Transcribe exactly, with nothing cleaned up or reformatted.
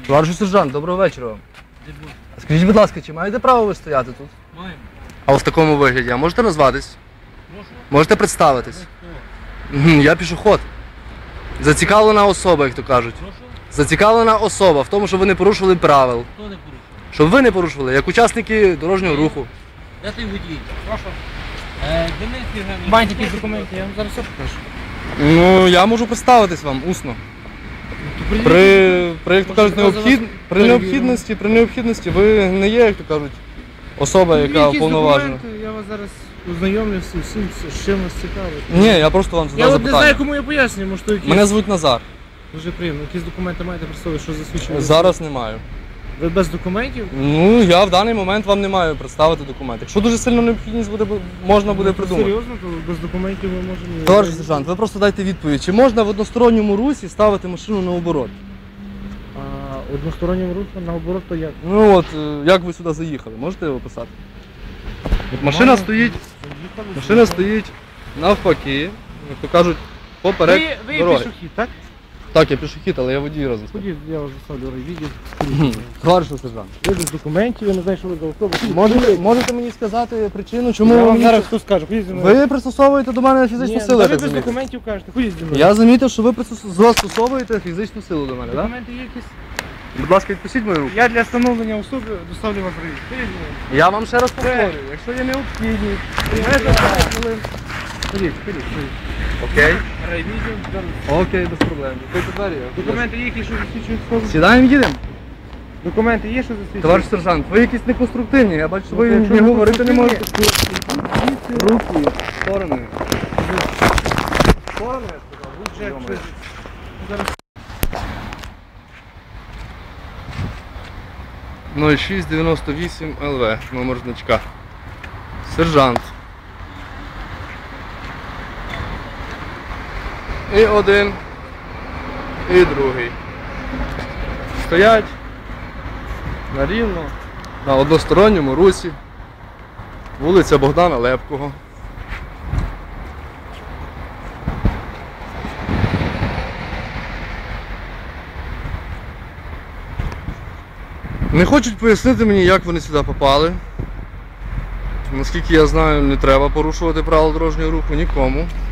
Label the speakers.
Speaker 1: Товариш сержант, доброго вечора вам. Скажіть, будь ласка, чи маєте право ви стояти тут?
Speaker 2: Маємо.
Speaker 1: А в такому вигляді, а можете назватись?
Speaker 2: Прошу.
Speaker 1: Можете представитись? Мгм, Я пішоход. Зацікавлена особа, як то кажуть.
Speaker 2: Прошу.
Speaker 1: Зацікавлена особа в тому, щоб ви не порушували правил.
Speaker 2: Хто не порушив?
Speaker 1: Щоб ви не порушували, як учасники дорожнього руху.
Speaker 2: Де той водій?
Speaker 3: Прошу.
Speaker 2: Е, Денис Євгенійович.
Speaker 3: Маєте якісь документи, я вам зараз все покажу.
Speaker 1: Ну, я можу представитись вам усно. При, при, як то кажуть, необхід... при необхідності, при необхідності ви не є, як то кажуть, особа, яка
Speaker 3: Якісь
Speaker 1: уповноважена.
Speaker 3: документи, я вас зараз ознайомлю з всім, з чим вас цікавить.
Speaker 1: Ні, я просто вам
Speaker 3: Я
Speaker 1: задав
Speaker 3: от не знаю,
Speaker 1: запитання.
Speaker 3: кому я пояснюю, може то якісь...
Speaker 1: Мене звуть Назар.
Speaker 3: Дуже приємно. Якісь документи маєте при собі, що засвідчує?
Speaker 1: Зараз не маю.
Speaker 3: Ви без документів?
Speaker 1: Ну, я в даний момент вам не маю представити документи. Якщо дуже сильно необхідність буде, можна буде
Speaker 3: Ну,
Speaker 1: придумати.
Speaker 3: Серйозно, то без документів ми можемо...
Speaker 1: Товариш сержант, ви просто дайте відповідь, чи можна в односторонньому русі ставити машину на оборот?
Speaker 3: А одностороннім рухом наоборот, то як?
Speaker 1: Ну от, е, як ви сюди заїхали, можете описати? От машина стоїть, машина стоїть навпаки, як то кажуть, поперек
Speaker 3: Ви, ви
Speaker 1: дороги.
Speaker 3: пішохід, так?
Speaker 1: Так, я пішохід, але я водій разом. з тим.
Speaker 3: Ходіть, я вас заставлю відео.
Speaker 1: Товариш сержант,
Speaker 3: Ви без документів, я не знаю, що ви за особа.
Speaker 1: можете, можете мені сказати причину, чому
Speaker 3: Я
Speaker 1: ви
Speaker 3: вам
Speaker 1: мені
Speaker 3: зараз
Speaker 1: це-
Speaker 3: все скажу. Ходіть зі мною.
Speaker 1: ви пристосовуєте до мене фізичну
Speaker 3: Ні,
Speaker 1: силу,
Speaker 3: та
Speaker 1: я
Speaker 3: ви
Speaker 1: так
Speaker 3: без
Speaker 1: замітив.
Speaker 3: документів кажете. Ходіть зі мною.
Speaker 1: Я замітив, що ви пристос- застосовуєте фізичну силу до мене, так?
Speaker 3: Документи є якісь?
Speaker 1: Будь ласка, відпустіть мою руку.
Speaker 3: Я для встановлення особи доставлю вас в рейс. Ходіть зі мною.
Speaker 1: Я вам ще раз повторюю, якщо є необхідність,
Speaker 3: Мене за п'ять хвилин. Ходіть, ходіть, ходіть.
Speaker 1: окей,
Speaker 3: Райвідео, зараз.
Speaker 1: окей, без проблем. Відкрийте двері. я-
Speaker 3: Документи є, які що засвідчують особу?
Speaker 1: Сідаємо, їдемо.
Speaker 3: Документи є, що засвідчують?
Speaker 1: Товариш сержант, ви якісь неконструктивні, я бачу, що ви
Speaker 3: якщо
Speaker 1: не
Speaker 3: не
Speaker 1: говорити не можете.
Speaker 3: конструктивні,
Speaker 1: Руки, в сторони.
Speaker 3: Сторони, я сказав. Будь же,
Speaker 1: Йо-моє.
Speaker 3: зараз.
Speaker 1: нуль шість дев'яносто вісім ел ве, номер значка. Сержант. І один, і другий. Стоять на рівно, на односторонньому русі. Вулиця Богдана Лепкого. Не хочуть пояснити мені, як вони сюди попали. Наскільки я знаю, не треба порушувати правила дорожнього руху нікому.